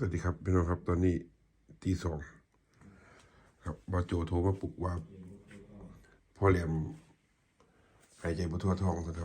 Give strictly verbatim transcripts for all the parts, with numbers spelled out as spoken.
วัสดีครับพี่น้องครับตอนนี้ตีสองครับบาโจโทรมาปลุกว่าพ่อแหลมหายใจบ่ทั่วท้องนะครับ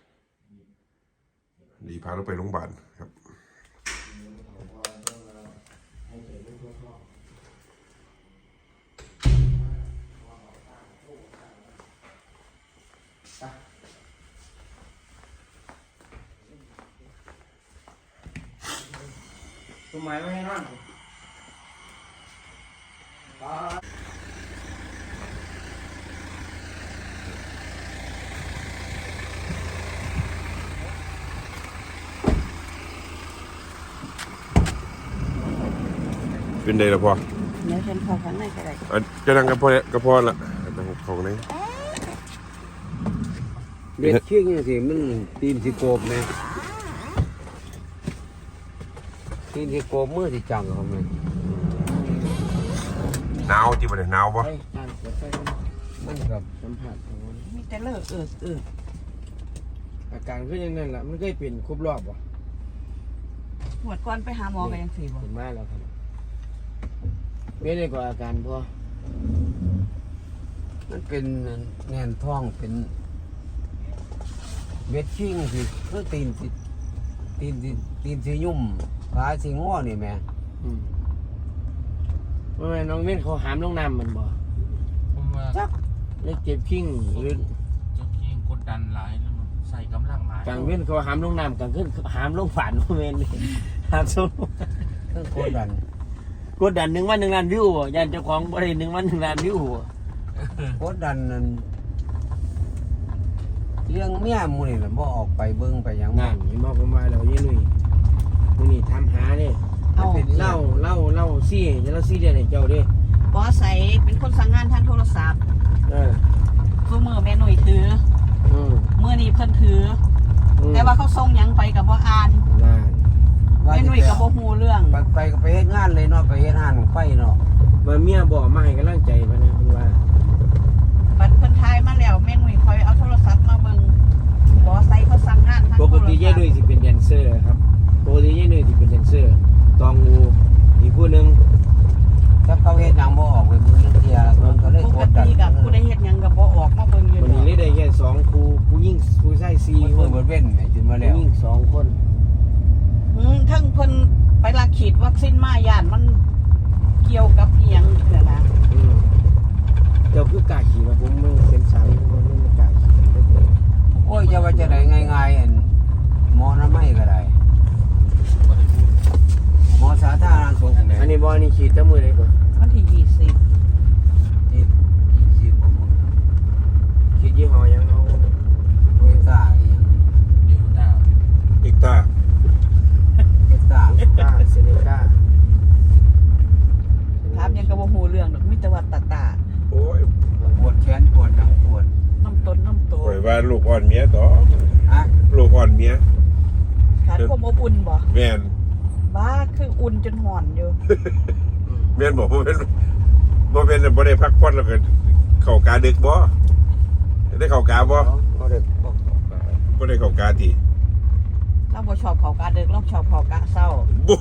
ดีพาเราไปโรงพยาบาลครับทำไมไม่ให้นอนเป็นไงล่ะพ่อเดี๋ยวฉันขอข้างในก็ได้อ่ะจะนั่งกับพ่อเนี่ยกับพ่อละนั่งของไหนเบ็ดเชือกนี่สิมันตีนสิโกบไหมตีนสิโกบมือสิจังเขาไหมหนาวที่บ่ได้หนาวบ่มันกับสัมผัสของมันมีแต่เลิกเออเอออาการก็ยังนั่นแหละมันเคยเป็นครบรอบวะหมดก่อนไปหาหมอกันยังสี่บ่เห็นมาแล้วครับไม่ได้กว่าอาการพอมันเป็นแน่นท้องเป็นเม็ดชิ่งสิคือตีนสิตีนสิตีนสิยุ่มขาสิง้อนี่แม่เมื่อน้องเม่นเขาหามลงน้ำมันบ่ผมว่าจักเลยเจ็บชิ่งหรือเจ้าขี้กดดันหลายแล้วมันใส่กำลังหลายกลางเว้นเขาหามลงน้ำกลางขึ้นหามลงฝันพ่อแม่นี่หามสู้เครื่องกดดันกดดันหนึ่งวันหนึ่งล้านวิวบ่ยันเจ้าของบริหนึ่งวันหนึ่งล้านวิวบ่กดดันนั่นเรื่องเมียมูนี่แหละบ่ออกไปเบิ่งไปหยังนั่นเห็นบ่ผมว่าแล้วยี่นุ่ยมูนี่ทำหาเด้เอาเล่าเล่าเล่าซี่จะเล่าซี่เดือนให้เจ้าเด้บอสใส่เป็นคนสั่งงานทางโทรศัพท์เออคือมือแม่หนุ่ยถืออืมมือนี้เพิ่นถืออแต่ว่าเขาส่งหยังไปกับบ่อ่านนั่นแม่หนุ่ยกับบ่ฮู้เรื่องไปไปก็ไปเฮ็ดงานเลยเนาะไปเฮ็ดงานของไฟเนาะว่าเมียบอกมาให้กำลังใจมานะคุณว่าบัดเพิ่นทายมาแล้วแม่หนุ่ยคอยเอาโทรศัพท์มาเบิ่งบอสใส่เขาสั่งงานทางปโทกรศัพท์ติเย่ด้วยสิเป็นแดนเซอร์ครับปกติเย่ด้วยสิเป็นแดนเซอร์ตองงูอีกผู้หนึ่งถ้าเขาเฮ็ดหยังบ่ออกไปมือนึงเที่ยมันก็เลยปกกดดันติกับผู้ใดเฮ็ดหยังก็บ่ออกมาเบิ่งอยู่วันดอนี้กได้แค่สองครูผู้ยิ่งผู้ชายสี่มันคเพิ่นนบ่เว้นให้จนมาผู้แล้วยิ่งสองคนอืมทั้งเพิ่นไปลักฉีดวัคซีนมาย่านมันเกี่ยวกับอีหยังนี่แหละนะอืมเจ้าคือกล้าขี่มาผมไม่เป็นสาวผมไม่กล้าขี่ได้เลยโอ้ยจะว่าจะได้ง่ายๆอันหมอน้ำไม่ก็ได้ก็ได้พูดหมอสาธารณสุขเนี่ยอันนี้บอนี่ขี่ตั้งมือเลยก่อนวันที่ยี่สิบที่สิบกว่ามื้อขี่ยี่ห้อยังเอาโอ้ยตาอีหยังเดี๋ยวหน้าเอกตาเฮ็ดตาก้าเซเนก้าถามหยังก็บ่ฮู้เรื่องดอกมีแต่ว่าตาตาโอ้ยปวดแขนปวดหลังปวดน้ำต้นน้ำโตปล่อยว่าลูกอ่อนเมียต่อฮะลูกอ่อนเมียขาดความอบอุ่นบ่แม่นบ้าคืออุ่นจนห่อนอยู่แม่นบอกบ่เป็นบ่เป็นบ่ได้พักผ่อนแล้วก็เข้ากาดึกบ่ได้เข้ากาบ่เขาได้บอกบ่ได้เข้ากาติเราบ่ชอบเขากาดึกเราชอบเขากาเศร้าบู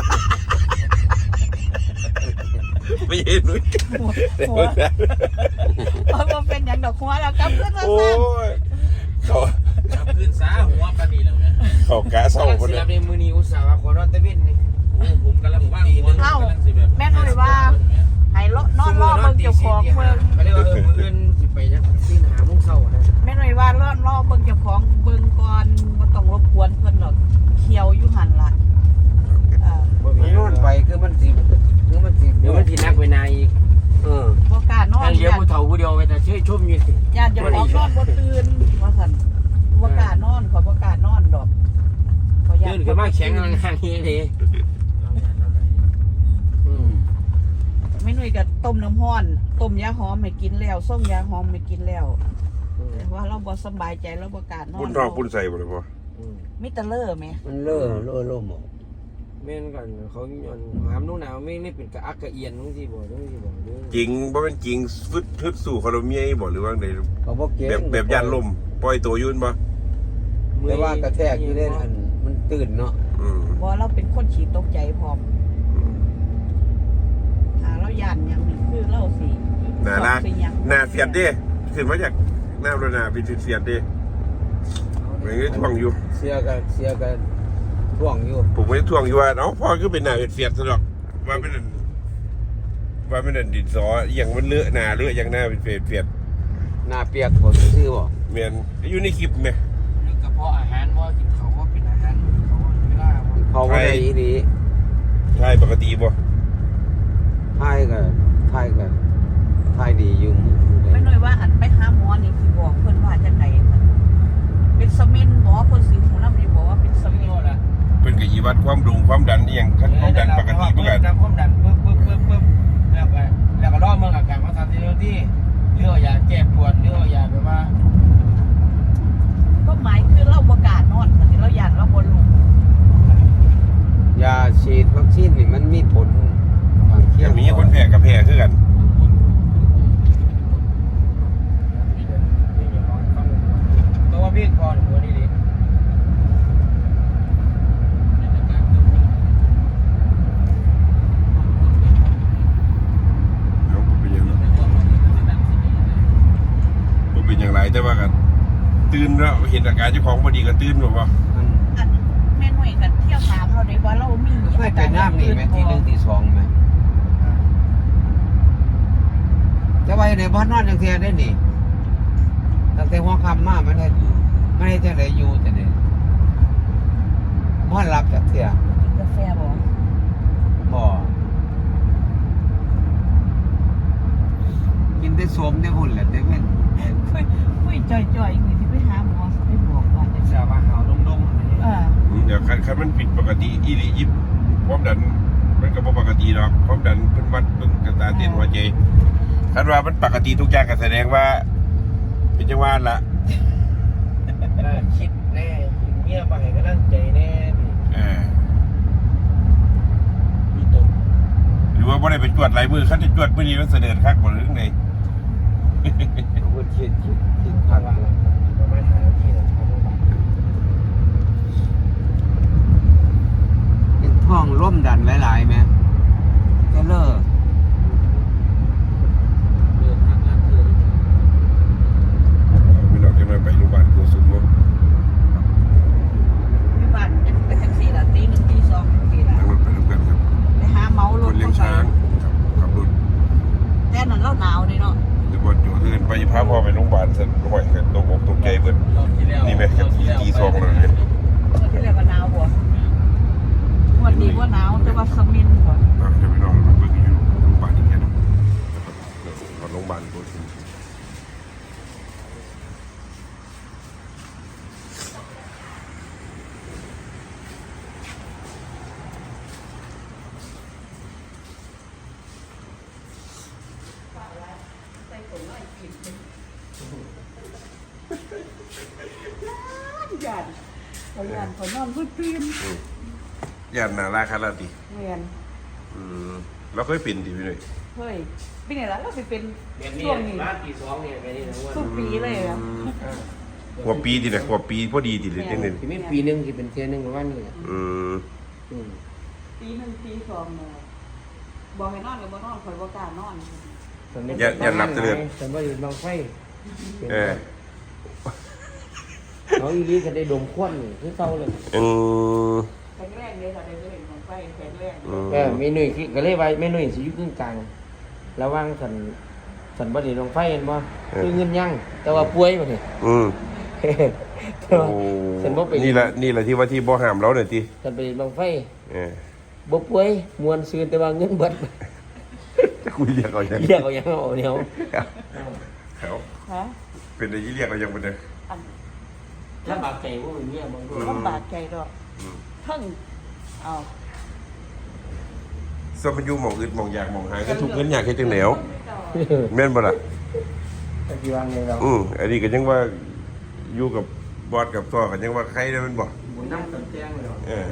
ไม่เห็นนุ้ยหัวหัวเอาบ่เป็นหยังดอกหัวแล้วกลับขึ้นมาโอ้ซั่นยเขาขับขึ้นซ้าหัวปานนี้แล้วไงเขากาเศร้าลังคนสิเดียรัวบในมือนี้อุตส่าห์ว่าขอนอนตะเวนนี่โอ้ผมกำลังว่างหัวกำลังสิแบบแม่นุ่ยว่าให้เลาะนอนรอเบิ่งเจ้าของเบิ่งเขาเรียกว่าเออมืออื่นสิไปจังสิหาโมงเช้านะแม่นุ่ยว่าเลาะรอเบิ่งเจ้าของเบิ่งก่อนบ่ต้องรบกวนเพิ่นหรอกเขียวอยู่หั่นล่ะเออบ่มีมันนอนไปคือมันสิคือมันสิเดี๋ยวมันสินักเวลาอีกเออบ่กล้านอนนั่นเลี้ยวผู้เฒ่าผู้เดียวไปแต่เชยชมอยู่สิญาติเจ้าของนอนบ่ตื่นว่าซั่นบ่กล้านอนขอยบ่กล้านอนดอกขอยย้าตื่นขึ้นมาแข็งงานนี้เลยอืมแม่นุ่ยก็ต้มน้ำร้อนต้มยาหอมให้กินแล้วส่งยาหอมให้กินแล้วแต่ว่าเราบ่สบายใจเราบ่กล้านอนปุ่นทองปุ่นใส่บ่เลยพ่ออืมมีแต่เลอะแหมมันเล่อเล่อล่มออกแม่นกันเขาย้อนหามหนูหนาวไม่ไม่เป็นกระอักกระเอียนจังซี่บ่จังซี่บ่เด้อจริงบ่เป็นจริงฟึดทึดสู่คาร์เมียบ่หรือว่าไงเขาบ่เก่งแบบแบบยันลมปล่อยตัวยุ่นบ่แต่ว่ากระแทกอยู่ได้อันมันตื่นเนาะอืมบ่เราเป็นคนขี้ตกใจพพร้อมหาเราย่านหยังนี่คือเราสิหนาละสิหยังหนาเสียดดิขึ้นมาจากหน้าโรนาเป็นเสียดดิมันก็ท่วงอยู่เสียกันเสียกันท่วงอยู่ผมไม่ได้ท่วงอยู่ว่าเนาะพ่อก็เป็นหนาเสียดซะหรอกว่าเป็นว่าเป็นดินสออย่างมันเลอะหนาเลอะอย่างหน้าเป็นเฟียดเฟียดหน้าเปียกผมซื้อบ่เมียนอยู่ในคลิปไหมนึกกระเพาะอาหารว่ากินเขาว่าเป็นอาหารเขาเวลาว่าเขาบ่ได้อีหลีใช่ปกติบ่ทายก็ทายก็ทายดีอยู่ไม่น้อยว่าอันไปหาหมอนี่สิบอกเพิ่นว่าจังไดมันเป็นสมินหมอเพิ่นสิหูนำนี่บอกว่าเป็นสมินละเป็นกับอีวัดความดุงความดันนี่ยังขั้นความดันปกติเพื่อนดันความดันปึ๊บปึ๊บปึ๊บปึ๊บแล้วก็แล้วก็รอเมืองอาการมาทำที่ที่เรื่องยาแก้ปวดเรื่องยาแบบว่าก็หมายคือเราบ่กล้านอนบัดนี้เราย่านเราบ่ลุกยาฉีดวัคซีนนี่มันมีผลข้างเคียยัง งมีคนแพ้กับแพ้คือกันตัวว่าพี่ก่อนหัวนี่ดิแล้วผมเป็นยังผมเป็นอย่างไรแต่ว่ากันตื่นแล้วเห็นอาการเจ้าของพอดีก็ตื่นแบบว่ามันอันแม่น้อยก็เที่ยวถามเราได้ว่าเรามีเคยเป็นน้ำนี่ไหมที่หนึ่งที่สองไหมจะไว้ในบ้านนอนจังเทียได้นี่ตั้งแต่หัวค่ำมามันได้ไม่ได้จะได้อยู่แต่เนี่ยบ้านรับจากเทียกินกาแฟบ่บ่กินได้สมได้หุ่นแหละได้เว้นคุยคุยจ่อยๆนี่สิไปหาหมอสิไปบอกว่าจังจะซี่มาหาวดงเออเดี๋ยวคันคันมันผิดปกติอีหลียิบความดันมันก็บ่ปกติหรอกความดันเป็นวัดเบิ่งกระตาเต้นหัวใจคันว่ามันปกติทุกอย่างก็แสดงว่า เป็นจังหวะละๆน่าคิดแน่เงียบไปก็นั่งใจแน่ดิเออมีตกหรือว่าบ่ได้ไปจวดหลายมือคันจะจวดมื้อนี้มันเสด็จคักบ่หรือจังไดพูดคิดคิดคิดพัพันกว่าประมาณห้านาทีเลยครับเป็นท้องร่วมดันหลายๆไหมก็เลิกเดินทางลัดเทือนพี่น้องจะมาไปโรงพยาบาลโกสุมบ่มีบ้านเป็นจังซี่ล่ะตีหนึ่งตีสองจังซี่ล่ะนั่งรถไปร่วมกันครับไปหาเมารคถนเลี้ยงช้างครับขับรถแต่นั้นเราหนาวเด้เนาะหรือบอลอยู่เดินไปพาพ่อไปโรงพยาบาลสันห่วยกันตกอกตกใจเบิด นี่ไหมครับตีสองเลยเนี่ยวันที่แล้วก็หนาวบ่วันนี้บ่หนาวแต่ว่าสมินบ่เราจะไปนอนมาเบิ่งอยู่โรงพยาบาลอีกแค่นั้นนะครับโรงพยาบาลโกสุมย่านเขาย่านเขานอนบ่ตื่นย่านนาราคาราติแม่นอืมเราเคยเป็นดิพี่หน่อยเฮ้ยปีนี้ล่ะเราสิเป็นแบบนี้ช่วงนี้ร้านปีสองเนี่ยแบบนี้นะว่าทุกปีเลยอ่ะหัวปีดินะหัวปีพอดีดิเลยจังเลยที่ไม่ปีหนึงที่เป็นเทียนหนึงประมาณนี้แหละอืมอืมปีหนึ่งปีสองเนาะบอกให้นอนก็บ่นอนข่อยบ่กล้านอนอย่าอย่าหลับเจริญฉันว่าอยู่บางไฟเออน้องอีลีก็ได้ดมควันนี่คือเก่าเลยอืมแข็งแรงเลยค่ะได้เล่นของไฟแข็งแรงอืมเออเมนูที่ก็เลยว่าเมนูสิอยู่กึ่งกลางระหว่างสันสันบ่ได้ลงไฟเห็นบ่คือเงินยังแต่ว่าป่วยบ่นี่อืมแต่ว่าโอ้ฉันบ่ไปนี่แหละนี่แหละที่ว่าที่บ่ห้ามเราเนี่ยทีฉันไปลงไฟเออบ่ป่วยมวนซื่นแต่ว่าเงินเบิดจะคุยเรียกเอาอย่างเรียกเอาหยังเอาเดียวเขาฮะเป็นอะไรที่เรียกเอาอย่างเป็นเนี่ยอันลำบากใจบ่มีเมียบางคนลำบากใจดอกทั้งเอาสมันอยู่หมองอึดหมองอยากหมองหายก็ทุกเงินอยากให้จังแหนวแม่นบ่ล่ะตะกี้วางเลยเราอืมอันนี้ก็ยังว่าอยู่กับบอสกับซ้อกันยังว่าใครได้มันบ่บุญน้ำกันแจ้งเลยเออ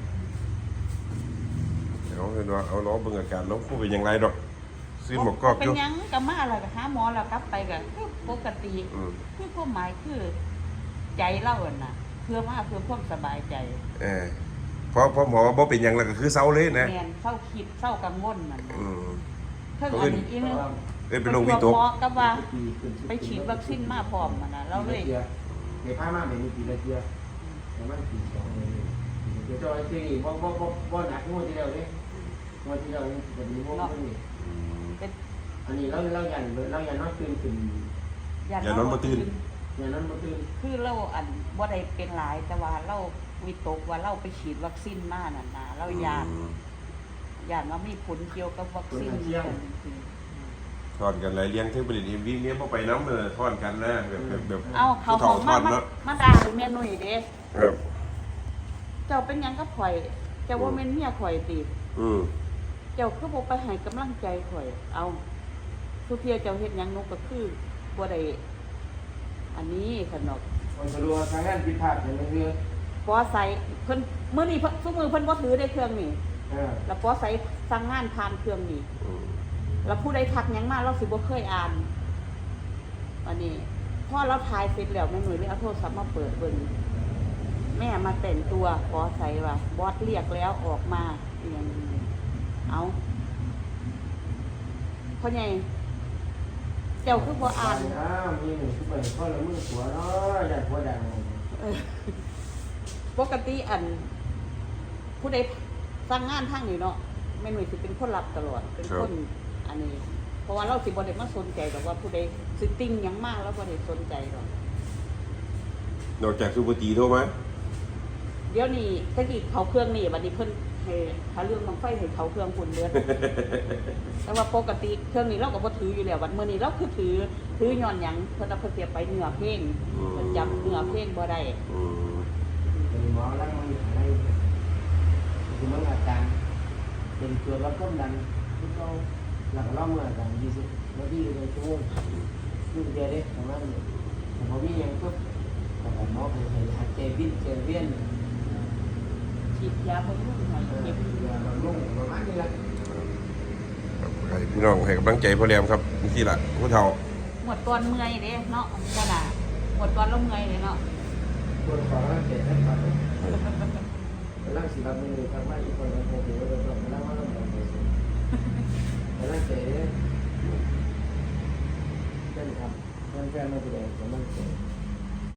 เอาเห็นว่าเอาล้อเบิ่งอาการน้องผู้เป็นอย่างไรดอกซื้อหมวกกอกเป็อน ยู่หยังก็มาแล้วก็หาหมอแล้วกลับไปก็คือปกติอืมคือความหมายคือใจเราอะน่ะเพื่อมาเพื่อความสบายใจเออพอพอหมอว่าบ่เป็นหยังแล้วก็คือเซาเลยนะแม่นเศร้าคิดเศร้ากังวลนั่นน่ะอืมเพิ่งอันนี้อีนึงเอ้ยเป็นโรควิตกหมอก็ว่าไปฉีดวัคซีนมาพร้อมมันน่ะเราเลยเดี๋ยวพามาเดี๋ยวมีปีละเทียประมาณปีสองเลยเดี๋ยวจะไอ้ที่บ่บ่บ่บ่หนักงวดที่แล้วเด้งวดที่แล้วนี่จะมีงวดนี้เป็นอันนี้เราเรายันเรายันนอนตื่นขึ้นอย่านอนบ่ตื่นยันนอนบ่ตื่นคือเราอันบ่ได้เป็นหลายแต่ว่าเราวิตกว่าเราไปฉีดวัคซีนมานั่นน่ะเรายานยานว่ามีผลเกี่ยวกับวัคซีนจริงทอดกันหลายเลี้ยงเทพบุรีเอ็มวีเมียบ่ไปน้ำเออทอดกันนะแบบแบบแบบๆเอาเขาผู้ของฒ่มาทอดมาเนาะมาด่าแม่นุ่ยเด้ครับเจ้าเป็นหยังกับข่อยเจ้าว่าแม่นเมียข่อยติอืมเจ้าคือบ่ไปให้กำลังใจข่อย เอาทุกเที่ยเจ้าเฮ็ดหยังหนูก็คือบ่ได้อันนี้ขนอกมันสะดวกทางงานผิดพลาดอย่างนี้ปอใส่เพิ่นมื้อนี้เพิ่นซุมื้อเพิ่นบ่ถือได้เครื่องนี่เออแล้วปอใส่สั่งงานผ่านเครื่องนี่อืมแล้วผู้ใดทักหยังมาเราสิบ่เคยอ่านวันนี้พอเราถ่ายเสร็จแล้วแม่หนุ่ยเลยเอาโทรศัพท์มาเปิดเบิ่งแม่มาแต่งตัวปอใส่ว่าบอสเรียกแล้วออกมาอหย่างนี้เอาเพราะไงเจ้าคือบ่อ่านอ้าวมีหนึ่งที่เปิดข้อละมือหัวเนาะยันหัวดังเออปกติอัน ผู้ใดสั่งงานทางนี้เนาะแม่หนุ่ยสิเป็นคนรับตลอด เป็นคนอันนี้ เพราะว่าเราสิบ่ได้มาสนใจดอกว่าผู้ใดสิติ้งหยังมากแล้วบ่ได้สนใจดอกนอกจากซูเปอร์ตีโทรมาเดี๋ยวนี้ตะกี้เขาเครื่องนี่บัดนี้เพิ่นให้ถ้าเรื่องบังไฟให้เขาเครื่องปุ่นเลือด แต่ว่าปกติเครื่องนี้เราก็บ่ถืออยู่แล้วบัดมื้อนี้เราคือถือถือย้อนหยังเพิ่นเอาเพิ่นเสียไปเนื้อเพลงเพิ่นจำเนื้อเพลงบ่ได้อืมเป็นหมอแล้วมันอะไรคือมันอาการเป็นตัวรับความดันที่เขาหลังเล่าเมื่ออาการยี่สิบนาทีเลยชั่วโมงนี่เดียวเด้ประมาณนี้แต่พอมีอย่างปุ๊บแต่หมอเป็นให้หัดใจวิ่งใจเวียนฉีดยาบำรุงให้เออเก็บอย่ามาลุ่งประมาณนี้ละครับให้พี่น้องให้กำลังใจพ่อแรมครับนี่ล่ะผู้เฒ่าหมดตอนเมื่อยเด้เนาะขนาดหมดตอนเราเมื่อยเลยเนาะปวดคอแล้วเจ็บแล้วครับกำลังสิรับมือทำมาอีกคนละโอ้โหเราต้องกำลังมาต้องแบบนี้กำลังเจ็บนั่นครับแฟนๆมาแสดงกำลังเจ็บ